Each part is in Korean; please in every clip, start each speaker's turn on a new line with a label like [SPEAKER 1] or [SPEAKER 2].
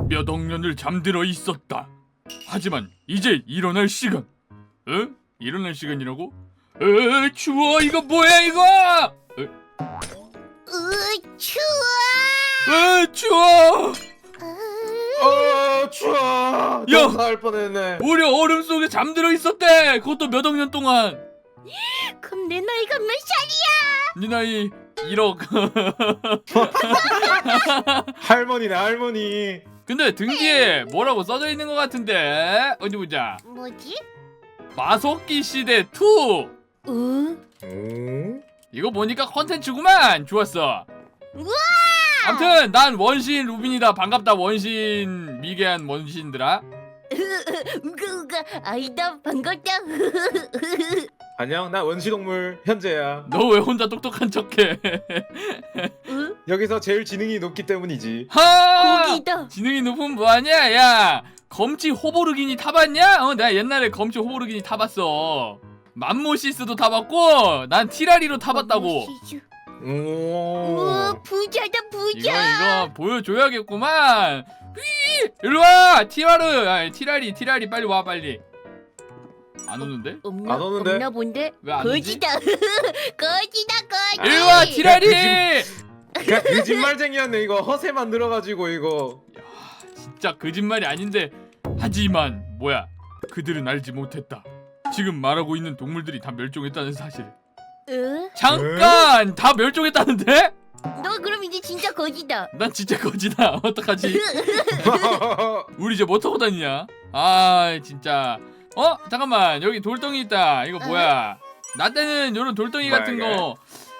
[SPEAKER 1] 몇 억 년을 잠들어 있었다. 하지만 이제 일어날 시간. 일어날 시간이라고? 추워. 이거 뭐야 이거?
[SPEAKER 2] 추워.
[SPEAKER 1] 추워.
[SPEAKER 3] 추워.
[SPEAKER 1] 야!
[SPEAKER 3] 갈 뻔했네.
[SPEAKER 1] 우리 얼음 속에 잠들어 있었대. 그것도 몇 억 년 동안.
[SPEAKER 2] 그럼 내 나이가 몇 살이야?
[SPEAKER 1] 네 나이 1억.
[SPEAKER 3] 할머니네 할머니.
[SPEAKER 1] 근데 등 뒤에 뭐라고 써져 있는 것 같은데? 어디 보자.
[SPEAKER 2] 뭐지?
[SPEAKER 1] 마속기 시대 2.
[SPEAKER 3] 오?
[SPEAKER 1] 이거 보니까 컨텐츠구만. 좋았어.
[SPEAKER 2] 우와!
[SPEAKER 1] 아무튼 난 원신 루빈이다. 반갑다 원신 미개한 원신들아.
[SPEAKER 2] 우가 아이다 반갑다.
[SPEAKER 3] 안녕, 나 원시동물 현재야.
[SPEAKER 1] 너 왜 혼자 똑똑한 척해?
[SPEAKER 3] 여기서 제일 지능이 높기 때문이지.
[SPEAKER 1] 하!
[SPEAKER 2] 고기다.
[SPEAKER 1] 지능이 높으면 뭐하냐? 야 검치 호보르기니 타봤냐? 내가 옛날에 검치 호보르기니 타봤어. 맘모시스도 타봤고 난 티라리로 타봤다고.
[SPEAKER 2] 우와 부자다 부자.
[SPEAKER 1] 이거 보여줘야겠구만. 일로와 티라리 빨리 와 빨리. 안 오는데?
[SPEAKER 3] 안 오는데?
[SPEAKER 2] 없나 본데?
[SPEAKER 1] 왜 안 오지?
[SPEAKER 2] 거지다. 거지.
[SPEAKER 1] 일로와 티라리.
[SPEAKER 3] 그냥 거짓말쟁이였네. 이거 허세 만들어가지고 이거.
[SPEAKER 1] 진짜 거짓말이 아닌데. 하지만 뭐야, 그들은 알지 못했다. 지금 말하고 있는 동물들이 다 멸종했다는 사실. 잠깐 다 멸종했다는데?
[SPEAKER 2] 너 그럼 이제 진짜 거지다.
[SPEAKER 1] 난 진짜 거지다. 어떡하지? 우리 이제 뭐 타고 다니냐? 아 진짜. 잠깐만 여기 돌덩이 있다. 이거 뭐야? 나 때는 요런 돌덩이 같은 거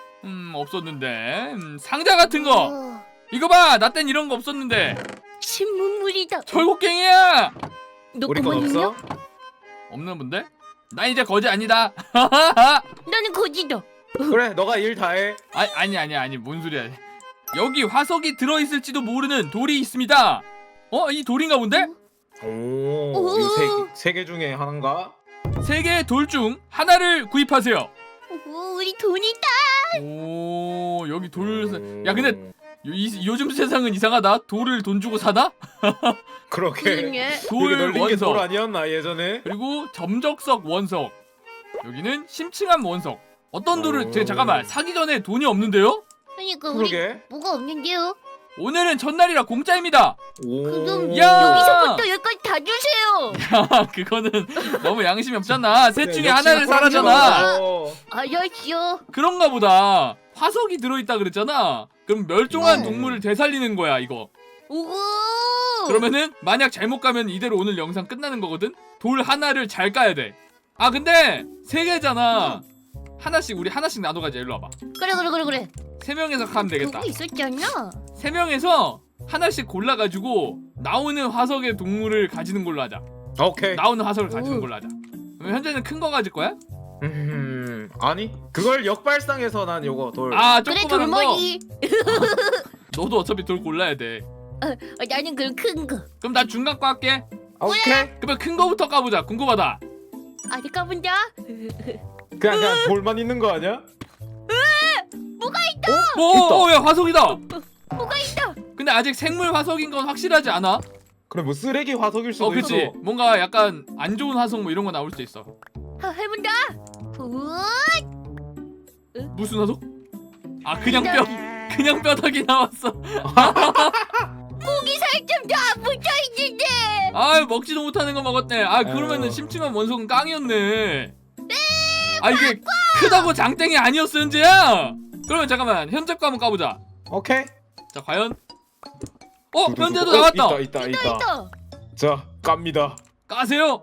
[SPEAKER 1] 없었는데. 상자 같은 거 이거 봐. 나 땐 이런 거 없었는데.
[SPEAKER 2] 신문물이다.
[SPEAKER 1] 철곡갱이야.
[SPEAKER 2] 너
[SPEAKER 3] 우리 건
[SPEAKER 2] 그만 있냐?
[SPEAKER 3] 없어?
[SPEAKER 1] 없는 분데? 나 이제 거지 아니다.
[SPEAKER 2] 나는 거지다.
[SPEAKER 3] 그래, 너가 일 다 해.
[SPEAKER 1] 아니 뭔 소리야. 여기 화석이 들어있을지도 모르는 돌이 있습니다. 이 돌인가 본데?
[SPEAKER 3] 오, 세 개 중에 하나인가?
[SPEAKER 1] 3개의 돌 중 하나를 구입하세요.
[SPEAKER 2] 오, 우리 돈이다.
[SPEAKER 1] 오 여기 돌. 야 근데 요즘 세상은 이상하다. 돌을 돈 주고 사나?
[SPEAKER 3] 그렇게.
[SPEAKER 2] 그러네.
[SPEAKER 1] 돌
[SPEAKER 3] 여기 널린 게 돌
[SPEAKER 1] 원석
[SPEAKER 3] 아니었나 예전에?
[SPEAKER 1] 그리고 점적석 원석. 여기는 심층한 원석. 어떤 돌을 잠깐만 사기 전에 돈이 없는데요?
[SPEAKER 2] 그러니까 우리
[SPEAKER 3] 그러게.
[SPEAKER 2] 뭐가 없는데요?
[SPEAKER 1] 오늘은 전날이라 공짜입니다.
[SPEAKER 2] 그럼
[SPEAKER 1] 야!
[SPEAKER 2] 여기서부터 여기까지 다 주세요.
[SPEAKER 1] 그거는 너무 양심이 없잖아. 셋 중에
[SPEAKER 3] 네,
[SPEAKER 1] 하나를 사라잖아.
[SPEAKER 2] 알았어.
[SPEAKER 1] 그런가 보다. 화석이 들어있다 그랬잖아. 그럼 멸종한
[SPEAKER 3] 네.
[SPEAKER 1] 동물을 되살리는 거야 이거.
[SPEAKER 2] 오.
[SPEAKER 1] 그러면은 만약 잘못 가면 이대로 오늘 영상 끝나는 거거든. 돌 하나를 잘 까야 돼. 근데 3개잖아. 우리 하나씩 나눠 가자. 일로 와봐.
[SPEAKER 2] 그래.
[SPEAKER 1] 3명에서 가면 되겠다.
[SPEAKER 2] 그거 있었잖아.
[SPEAKER 1] 3명에서 하나씩 골라가지고 나오는 화석의 동물을 가지는 걸로 하자.
[SPEAKER 3] 오케이.
[SPEAKER 1] 나오는 화석을 가지는 걸로 하자. 그럼 현재는 큰 거 가질 거야?
[SPEAKER 3] 아니, 그걸 역발상해서 난 요거 돌.
[SPEAKER 1] 아
[SPEAKER 2] 그래
[SPEAKER 1] 조그만한 거.
[SPEAKER 2] 돌머리.
[SPEAKER 1] 너도 어차피 돌 골라야 돼.
[SPEAKER 2] 나는 그럼 큰 거.
[SPEAKER 1] 그럼 나 중간 거 할게.
[SPEAKER 3] 오케이.
[SPEAKER 1] 그러면 큰 거부터 까보자. 궁금하다.
[SPEAKER 2] 아직 가본다.
[SPEAKER 3] 그냥 돌만 있는 거 아니야?
[SPEAKER 2] 뭐가 있다.
[SPEAKER 1] 야 화석이다.
[SPEAKER 2] 뭐가 있다.
[SPEAKER 1] 근데 아직 생물 화석인 건 확실하지 않아.
[SPEAKER 3] 그래, 뭐 쓰레기 화석일 수도
[SPEAKER 1] 그치.
[SPEAKER 3] 있어.
[SPEAKER 1] 뭔가 약간 안 좋은 화석 뭐 이런 거 나올 수도 있어.
[SPEAKER 2] 해본다.
[SPEAKER 1] 무슨 화석? 그냥 뼈다귀 나왔어.
[SPEAKER 2] 고기 살점 다 붙어 있는데.
[SPEAKER 1] 먹지도 못하는 거 먹었네. 그러면은 심층한 원석은 깡이었네. 이게 크다고 장땡이 아니었어 현재야. 그러면 잠깐만 현재 거 한번 까보자.
[SPEAKER 3] 오케이.
[SPEAKER 1] 자 과연. 현재도 나왔다.
[SPEAKER 3] 있다. 자, 깝니다.
[SPEAKER 1] 까세요.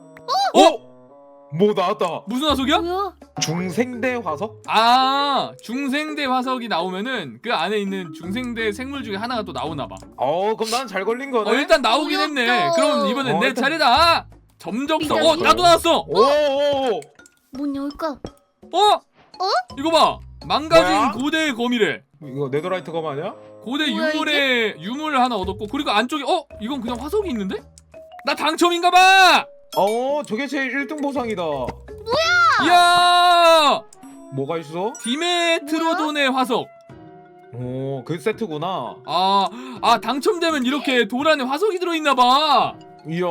[SPEAKER 3] 뭐 나왔다.
[SPEAKER 1] 무슨 화석이야?
[SPEAKER 2] 뭐야?
[SPEAKER 3] 중생대 화석?
[SPEAKER 1] 중생대 화석이 나오면은 그 안에 있는 중생대 생물 중에 하나가 또 나오나봐.
[SPEAKER 3] 그럼 난 잘 걸린 거네.
[SPEAKER 1] 일단 나오긴 했네.
[SPEAKER 2] 어렵다.
[SPEAKER 1] 그럼 이번엔 내
[SPEAKER 3] 일단-
[SPEAKER 1] 차례다. 점적석.
[SPEAKER 2] 미쳤어.
[SPEAKER 1] 나도 나왔어.
[SPEAKER 3] 오.
[SPEAKER 2] 뭐 나올까?
[SPEAKER 1] 이거 봐. 망가진
[SPEAKER 3] 뭐야?
[SPEAKER 1] 고대의 거미래.
[SPEAKER 3] 이거 네더라이트 검 아니야?
[SPEAKER 1] 고대
[SPEAKER 2] 뭐야,
[SPEAKER 1] 유물을 하나 얻었고, 그리고 안쪽에 이건 그냥 화석이 있는데? 나 당첨인가봐.
[SPEAKER 3] 저게 제일 1등 보상이다.
[SPEAKER 1] 이야,
[SPEAKER 3] 뭐가 있어?
[SPEAKER 1] 디메트로돈의 화석.
[SPEAKER 3] 오, 그 세트구나.
[SPEAKER 1] 아 당첨되면 이렇게 돌 안에 화석이 들어있나봐.
[SPEAKER 3] 이야.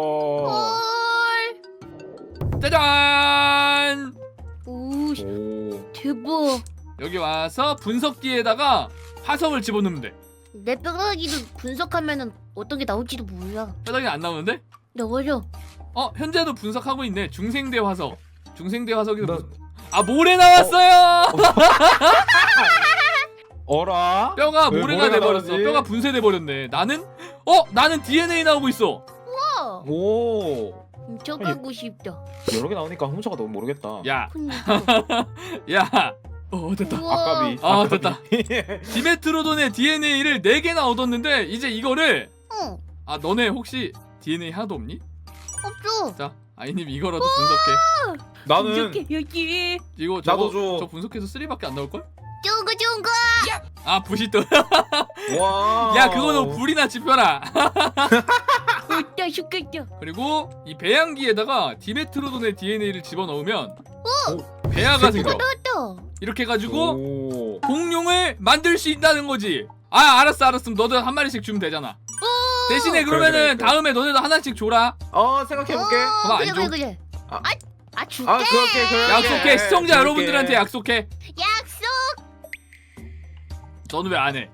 [SPEAKER 2] 헐.
[SPEAKER 1] 짜잔.
[SPEAKER 2] 오,
[SPEAKER 3] 오.
[SPEAKER 2] 대박.
[SPEAKER 1] 여기 와서 분석기에다가 화석을 집어넣으면 돼.
[SPEAKER 2] 내 뼈다귀도 분석하면은 어떤 게 나올지도 몰라.
[SPEAKER 1] 뼈다귀 안 나오는데?
[SPEAKER 2] 나와요.
[SPEAKER 1] 현재도 분석하고 있네. 중생대 화석. 중생대 화석이
[SPEAKER 3] 나-
[SPEAKER 1] 모래 나왔어요.
[SPEAKER 3] 어라?
[SPEAKER 1] 뼈가
[SPEAKER 3] 왜
[SPEAKER 1] 모래가
[SPEAKER 3] 모래가
[SPEAKER 1] 돼버렸어.
[SPEAKER 3] 나오지?
[SPEAKER 1] 뼈가 분쇄돼 버렸네. 나는 DNA 나오고 있어.
[SPEAKER 2] 우와.
[SPEAKER 3] 오.
[SPEAKER 2] 훔쳐가고 싶다.
[SPEAKER 3] 여러 개 나오니까 훔쳐가 너무 모르겠다.
[SPEAKER 1] 야,
[SPEAKER 2] 그니까.
[SPEAKER 1] 야. 됐다.
[SPEAKER 2] 우와.
[SPEAKER 3] 아까비.
[SPEAKER 1] 아, 됐다. 디메트로돈의 DNA를 4개나 얻었는데 이제 이거를 너네 혹시 DNA 하나도 없니?
[SPEAKER 2] 없어.
[SPEAKER 1] 자, 아이님 이거라도 분석해.
[SPEAKER 3] 나는
[SPEAKER 2] 이렇게 여기.
[SPEAKER 1] 이거
[SPEAKER 3] 나도 줘.
[SPEAKER 1] 저 분석해서 3밖에 안 나올 걸?
[SPEAKER 2] 좋은 거.
[SPEAKER 1] 부시또.
[SPEAKER 3] 와.
[SPEAKER 1] 야, 그거 너 불이나 지펴라.
[SPEAKER 2] 웃다 죽겠다.
[SPEAKER 1] 그리고 이 배양기에다가 디메트로돈의 DNA를 집어넣으면 배아가 생겨.
[SPEAKER 2] 나왔다.
[SPEAKER 1] 이렇게 해가지고
[SPEAKER 3] 오.
[SPEAKER 1] 공룡을 만들 수 있다는 거지. 알았어. 너도 한 마리씩 주면 되잖아. 대신에 그러면은
[SPEAKER 3] 그래.
[SPEAKER 1] 다음에 너네도 하나씩 줘라.
[SPEAKER 3] 생각해볼게.
[SPEAKER 1] 봐봐, 안 줘.
[SPEAKER 2] 그래.
[SPEAKER 3] 아.
[SPEAKER 2] 줄게.
[SPEAKER 3] 그렇게.
[SPEAKER 1] 약속해. 시청자
[SPEAKER 3] 줄게.
[SPEAKER 1] 여러분들한테 약속해.
[SPEAKER 2] 약속.
[SPEAKER 1] 너는 왜 안 해?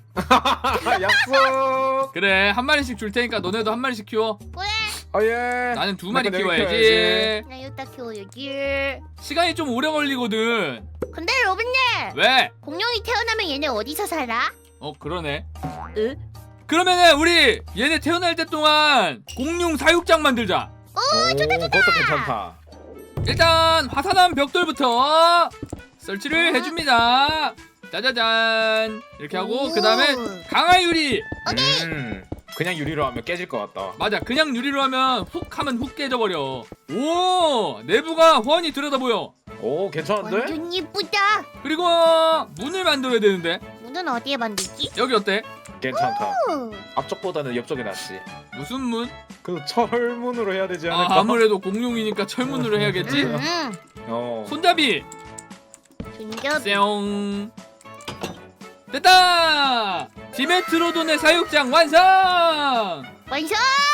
[SPEAKER 3] 약속.
[SPEAKER 1] 그래, 한 마리씩 줄 테니까 너네도 한 마리씩 키워.
[SPEAKER 2] 그래.
[SPEAKER 3] 예.
[SPEAKER 1] 나는 2마리
[SPEAKER 3] 내가
[SPEAKER 1] 키워야지.
[SPEAKER 3] 키워야지.
[SPEAKER 2] 나 여기다 키워야지.
[SPEAKER 1] 시간이 좀 오래 걸리거든.
[SPEAKER 2] 근데 로빈님,
[SPEAKER 1] 왜?
[SPEAKER 2] 공룡이 태어나면 얘네 어디서 살아?
[SPEAKER 1] 그러네.
[SPEAKER 2] 응?
[SPEAKER 1] 그러면은 우리 얘네 태어날 때 동안 공룡 사육장 만들자.
[SPEAKER 3] 오, 그것도 괜찮다.
[SPEAKER 1] 일단 화산암 벽돌부터 설치를 해줍니다. 짜자잔. 이렇게 하고
[SPEAKER 2] 오.
[SPEAKER 1] 그 다음에 강화유리.
[SPEAKER 3] 그냥 유리로 하면 깨질 것 같다.
[SPEAKER 1] 맞아, 그냥 유리로 하면 훅 깨져버려. 오, 내부가 훤히 들여다 보여.
[SPEAKER 3] 오, 괜찮은데?
[SPEAKER 2] 완전 예쁘다.
[SPEAKER 1] 그리고 문을 만들어야 되는데
[SPEAKER 2] 문은 어디에 만들지?
[SPEAKER 1] 여기 어때?
[SPEAKER 3] 괜찮다.
[SPEAKER 2] 오.
[SPEAKER 3] 앞쪽보다는 옆쪽이 낫지.
[SPEAKER 1] 무슨 문?
[SPEAKER 3] 그 철문으로 해야 되지 않을까?
[SPEAKER 1] 아무래도 공룡이니까 철문으로 해야겠지?
[SPEAKER 3] 어.
[SPEAKER 1] 손잡이
[SPEAKER 2] 진짜
[SPEAKER 1] 뿅. 됐다. 디메트로돈의 사육장 완성.
[SPEAKER 2] 완성.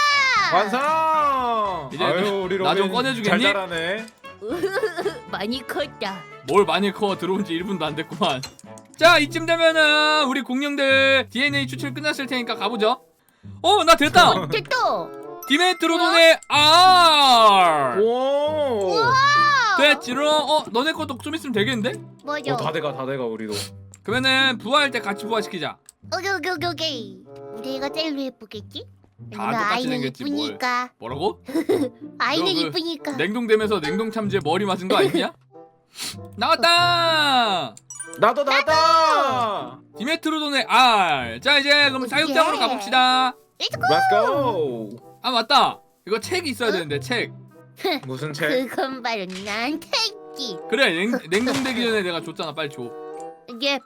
[SPEAKER 3] 완성.
[SPEAKER 1] 이제
[SPEAKER 3] 아유, 우리
[SPEAKER 1] 나좀
[SPEAKER 3] 로빈
[SPEAKER 1] 꺼내주겠니?
[SPEAKER 3] 잘 자라네.
[SPEAKER 2] 많이 컸다.
[SPEAKER 1] 뭘 많이 커. 들어온 지 1분도 안 됐구만. 자, 이쯤 되면은 우리 공룡들 DNA 추출 끝났을 테니까 가보죠. 나 됐다.
[SPEAKER 2] 됐다.
[SPEAKER 1] 디메트로돈의 R.
[SPEAKER 3] 오.
[SPEAKER 1] 됐지롱. 너네 것도 좀 있으면 되겠는데?
[SPEAKER 2] 뭐죠?
[SPEAKER 3] 다 돼가 우리도.
[SPEAKER 1] 그러면은 부화할 때 같이 부화시키자.
[SPEAKER 2] 오케이. 우리 애가 제일 예쁘겠지?
[SPEAKER 1] 다
[SPEAKER 2] 왜냐면
[SPEAKER 1] 똑같이
[SPEAKER 2] 아이는
[SPEAKER 1] 생겼지, 뭘.
[SPEAKER 2] 이쁘니까.
[SPEAKER 1] 뭐라고?
[SPEAKER 2] 아이는
[SPEAKER 1] 그
[SPEAKER 2] 이쁘니까.
[SPEAKER 1] 냉동되면서 냉동 참지에 머리 맞은 거 아니냐? 나왔다.
[SPEAKER 3] 나도 나다.
[SPEAKER 1] 디메트로돈의 R. 자, 이제 그럼 사육장으로
[SPEAKER 2] 예.
[SPEAKER 1] 가봅시다.
[SPEAKER 3] Let's go.
[SPEAKER 1] 맞다. 이거 책이 있어야 되는데 책.
[SPEAKER 3] 무슨 책?
[SPEAKER 2] 그건 바로 나한테 있지.
[SPEAKER 1] 그래, 냉동되기 전에 내가 줬잖아. 빨리 줘.
[SPEAKER 2] 이게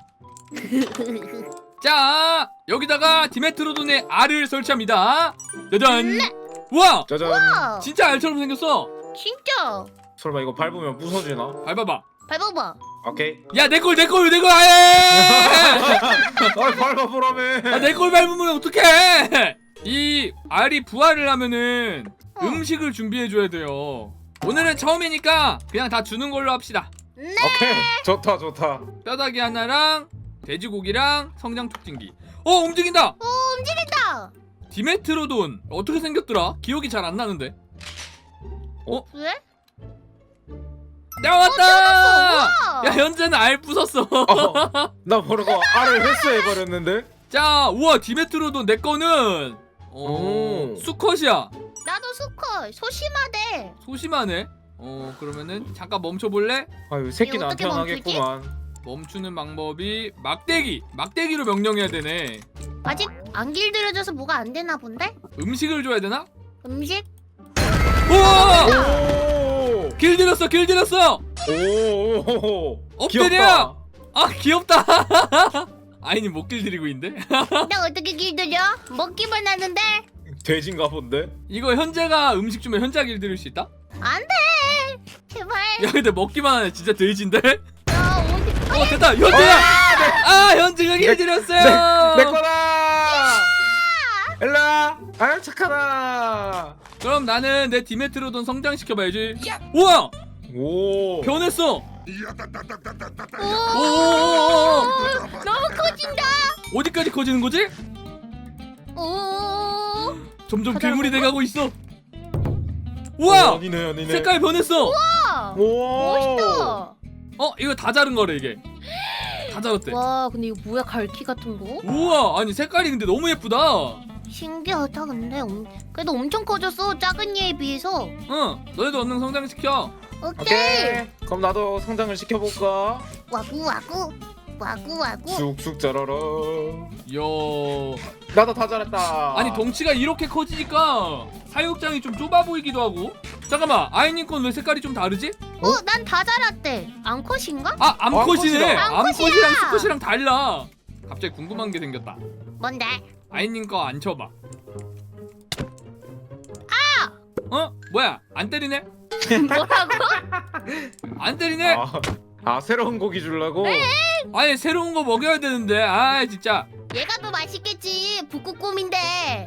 [SPEAKER 3] 아,
[SPEAKER 1] 자, 여기다가 디메트로돈의 R을 설치합니다. 짜잔. 우와,
[SPEAKER 3] 짜잔.
[SPEAKER 1] 진짜 알처럼 생겼어.
[SPEAKER 2] 진짜.
[SPEAKER 3] 설마 이거 밟으면 부서지나?
[SPEAKER 1] 밟아봐.
[SPEAKER 2] 밟아봐.
[SPEAKER 3] 오케이.
[SPEAKER 1] 야, 내 걸. 아예.
[SPEAKER 3] 밟아보라며.
[SPEAKER 1] 내 걸 밟으면 어떡해. 이 R이 부활을 하면은 음식을 준비해줘야 돼요. 오늘은 처음이니까 그냥 다 주는 걸로 합시다.
[SPEAKER 2] 네.
[SPEAKER 3] 오케이. 좋다.
[SPEAKER 1] 뼈다귀 하나랑 돼지고기랑 성장 촉진기. 움직인다.
[SPEAKER 2] 움직인다.
[SPEAKER 1] 디메트로돈 어떻게 생겼더라? 기억이 잘 안 나는데.
[SPEAKER 2] 왜?
[SPEAKER 1] 나왔다.
[SPEAKER 2] 우와.
[SPEAKER 1] 야, 현재는 알 부쉈어.
[SPEAKER 3] 나 모르고 알을 회수해버렸는데?
[SPEAKER 1] 자, 우와, 디메트로돈 내 거는
[SPEAKER 3] 오.
[SPEAKER 1] 수컷이야.
[SPEAKER 2] 나도 수컷. 소심하대.
[SPEAKER 1] 소심하네. 그러면은 잠깐 멈춰볼래?
[SPEAKER 3] 아유, 새끼는 안
[SPEAKER 2] 어떻게 멈추지?
[SPEAKER 3] 태어나겠구만.
[SPEAKER 1] 멈추는 방법이 막대기로 명령해야 되네.
[SPEAKER 2] 아직 안 길들여져서 뭐가 안 되나 본데?
[SPEAKER 1] 음식을 줘야 되나?
[SPEAKER 2] 음식?
[SPEAKER 1] 우와!
[SPEAKER 3] 오!
[SPEAKER 1] 길들였어.
[SPEAKER 3] 오!
[SPEAKER 1] 엎드려. 귀엽다. 아이님 못 길들이고 있는데?
[SPEAKER 2] 나 어떻게 길들여? 먹기만 하는데?
[SPEAKER 3] 돼지인가 본데?
[SPEAKER 1] 이거 현재가 음식 주면 현재가 길들일 수 있다?
[SPEAKER 2] 안 돼! 제발.
[SPEAKER 1] 야, 근데 먹기만 하네. 진짜 돼지인데?
[SPEAKER 2] 야, 어디?
[SPEAKER 1] 됐다. 현재야. 아 현지가 길들였어요.
[SPEAKER 3] 내 거다. 일로와. 아 착하다.
[SPEAKER 1] 그럼 나는 내 디메트로돈 성장시켜봐야지. 우와
[SPEAKER 3] 오.
[SPEAKER 1] 변했어.
[SPEAKER 2] 오,
[SPEAKER 1] 오
[SPEAKER 2] 너무 커진다.
[SPEAKER 1] 어디까지 커지는 거지?
[SPEAKER 2] 오,
[SPEAKER 1] 점점
[SPEAKER 2] 커다란
[SPEAKER 1] 괴물이
[SPEAKER 2] 건가?
[SPEAKER 1] 돼가고 있어. 우와
[SPEAKER 3] 아니네.
[SPEAKER 1] 색깔 변했어.
[SPEAKER 2] 와,
[SPEAKER 3] 오.
[SPEAKER 2] 멋있다.
[SPEAKER 1] 이거 다 자른 거래 이게. 다 자랐대.
[SPEAKER 2] 와, 근데 이거 뭐야, 갈퀴 같은 거?
[SPEAKER 1] 우와 아니 색깔이 근데 너무 예쁘다.
[SPEAKER 2] 신기하다. 근데 그래도 엄청 커졌어, 작은 얘에 비해서.
[SPEAKER 1] 응 너희도 얼른 성장시켜.
[SPEAKER 2] 오케이.
[SPEAKER 3] 그럼 나도 성장을 시켜볼까?
[SPEAKER 2] 와구 와구 와구 와구.
[SPEAKER 3] 쑥쑥 자라라.
[SPEAKER 1] 이야
[SPEAKER 3] 나도 다 자랐다.
[SPEAKER 1] 아니 덩치가 이렇게 커지니까 사육장이 좀 좁아 보이기도 하고. 잠깐만 아이님 건 왜 색깔이 좀 다르지?
[SPEAKER 2] 난 다 자랐대. 암컷인가?
[SPEAKER 1] 아 암컷이네.
[SPEAKER 2] 암컷이다.
[SPEAKER 1] 암컷이랑 수컷이랑 달라. 갑자기 궁금한 게 생겼다.
[SPEAKER 2] 뭔데?
[SPEAKER 1] 아이님 거 안 쳐봐. 뭐야 안 때리네?
[SPEAKER 2] 뭐라고?
[SPEAKER 1] 안 때리네?
[SPEAKER 3] 새로운 고기 주려고?
[SPEAKER 1] 아니 새로운 거 먹여야 되는데 아 진짜.
[SPEAKER 2] 얘가 더 맛있겠지. 북극곰인데.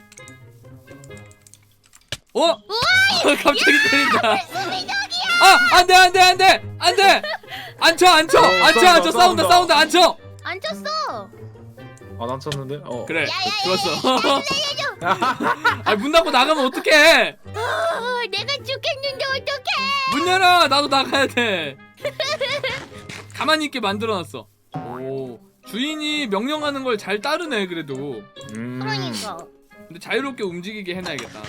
[SPEAKER 1] 갑자기 때린다.
[SPEAKER 2] 수민혁이야.
[SPEAKER 1] 안돼 안돼 안돼 안돼. 앉혀 싸운다 앉혀.
[SPEAKER 2] 안 쳤어.
[SPEAKER 3] 난 쳤는데?
[SPEAKER 1] 그래
[SPEAKER 2] 야야야.
[SPEAKER 1] 좋았어. 아문 닫고 나가면 어떡해?
[SPEAKER 2] 내가 죽겠는데 어떡해?
[SPEAKER 1] 문 열어 나도 나가야 돼. 가만히 있게 만들어놨어. 오 주인이 명령하는 걸 잘 따르네 그래도.
[SPEAKER 2] 그러니까.
[SPEAKER 1] 근데 자유롭게 움직이게 해놔야겠다.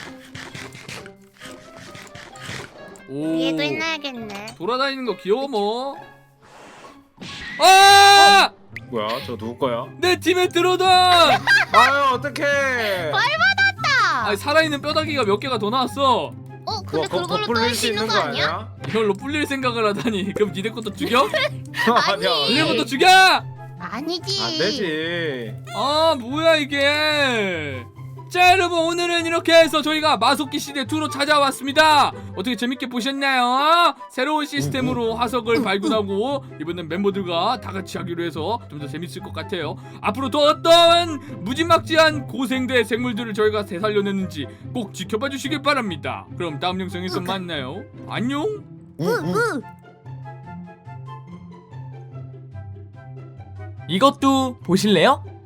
[SPEAKER 1] 오
[SPEAKER 2] 얘도 해놔야겠네.
[SPEAKER 1] 돌아다니는 거 귀여워 뭐. 아!
[SPEAKER 3] 뭐야 저 누구 거야?
[SPEAKER 1] 내 팀에 들어오던.
[SPEAKER 3] 아유 어떡해.
[SPEAKER 2] 아,
[SPEAKER 1] 아니 살아있는 뼈다귀가 몇 개가 더 나왔어.
[SPEAKER 2] 근데 그걸로 또 할 수 있는 거 아니야?
[SPEAKER 1] 이걸로 불릴 생각을 하다니. 그럼 니네 것도 죽여?
[SPEAKER 3] 아니야.
[SPEAKER 1] 니네 것도 죽여?
[SPEAKER 2] 아니지.
[SPEAKER 3] 안 되지.
[SPEAKER 1] 아 뭐야 이게. 자 여러분 오늘은 이렇게 해서 저희가 마속기 시대 2로 찾아왔습니다. 어떻게 재밌게 보셨나요? 새로운 시스템으로 화석을 발굴하고 이번엔 멤버들과 다 같이 하기로 해서 좀 더 재밌을 것 같아요. 앞으로 더 어떤 무지막지한 고생대 생물들을 저희가 되살려냈는지 꼭 지켜봐 주시길 바랍니다. 그럼 다음 영상에서 만나요. 안녕.
[SPEAKER 4] 이것도 보실래요?